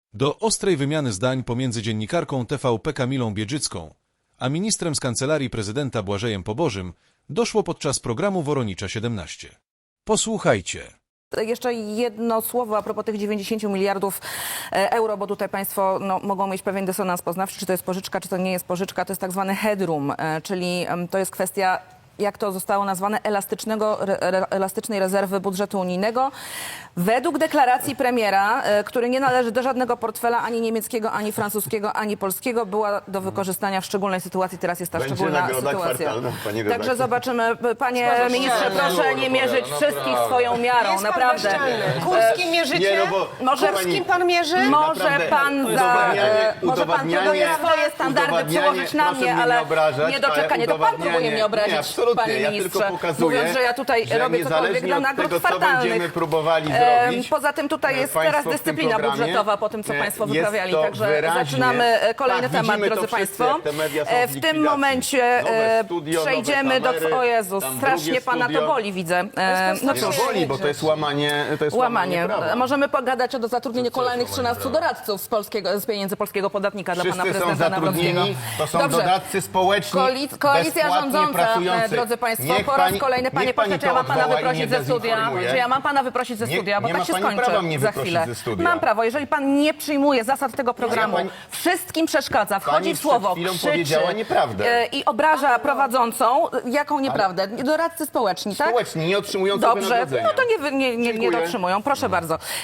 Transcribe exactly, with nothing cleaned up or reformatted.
Do ostrej wymiany zdań pomiędzy dziennikarką T V P Kamilą Biedrzycką a ministrem z Kancelarii Prezydenta Błażejem Pobożym doszło podczas programu Woronicza siedemnaście. Posłuchajcie. Jeszcze jedno słowo a propos tych dziewięćdziesięciu miliardów euro, bo tutaj państwo no, mogą mieć pewien dysonans poznawczy, czy to jest pożyczka, czy to nie jest pożyczka. To jest tak zwany headroom, czyli to jest kwestia, jak to zostało nazwane, elastycznego, re, elastycznej rezerwy budżetu unijnego. Według deklaracji premiera, który nie należy do żadnego portfela, ani niemieckiego, ani francuskiego, ani polskiego, była do wykorzystania w szczególnej sytuacji. Teraz jest ta Będzie szczególna nagroda sytuacja. kwartalna, pani Także redaktor. zobaczymy. Panie ministrze, proszę nie mierzyć wszystkich swoją miarą, Jest pan naprawdę. bezczelny. Kurskim mierzycie? Nie, no bo Może kochani, Kurskim pan mierzy? Może naprawdę, pan za, udowadnianie- może pan próbuje udowadnianie- swoje standardy udowadnianie- przełożyć na proszę mnie, mnie ale nie obrażać, niedoczekanie. ale To pan próbuje mnie udowadnianie- obrazić, nie, absolutnie, panie ja ministrze, tylko pokazuję, mówiąc, że ja tutaj że robię cokolwiek niezależnie dla od nagród tego, co kwartalnych. będziemy próbowali Em, zrobić, Poza tym tutaj jest państwo teraz w tym dyscyplina programie, budżetowa po tym, co nie, państwo jest wyprawiali. to Także wyraźnie- zaczynamy e, kolejny tak, temat, widzimy to drodzy wszyscy, państwo. jak te media są E, w W tym likwidacji. momencie Nowe e, studio, przejdziemy nowe do... kamery, O Jezus, tam strasznie drugie pana to studio. boli, widzę. E, No Nie cóż. no, boli, bo to jest łamanie, to jest łamanie, Łamanie. prawa. Możemy pogadać o zatrudnieniu kolejnych trzynastu doradców z, polskiego, z pieniędzy polskiego podatnika dla pana Wszyscy są prezydenta Nawrockiego. zatrudnieni, to są Dobrze. doradcy społeczni, Koalic- koalicja bezpłatnie rządząca, pracujący. drodzy państwo, Niech po raz pani- kolejny, panie niech pośle, pani czy ja to mam pana odwoła i wyprosić nie ze studia? dezinformuje. Czy ja mam pana wyprosić ze Nie- studia? Bo nie tak ma się pani skończy prawa mnie za wyprosić chwilę. ze studia. Mam prawo. Jeżeli pan nie przyjmuje zasad tego programu, pani- wszystkim przeszkadza, wchodzi Pani w słowo, przed chwilą krzyczy powiedziała nieprawdę. e, i obraża prowadzącą. Jaką nieprawdę? Doradcy społeczni, tak? Społeczni, nie otrzymujący Dobrze, wynagrodzenia. no to nie, wy- nie, nie, nie Dziękuję. dotrzymują. Proszę bardzo.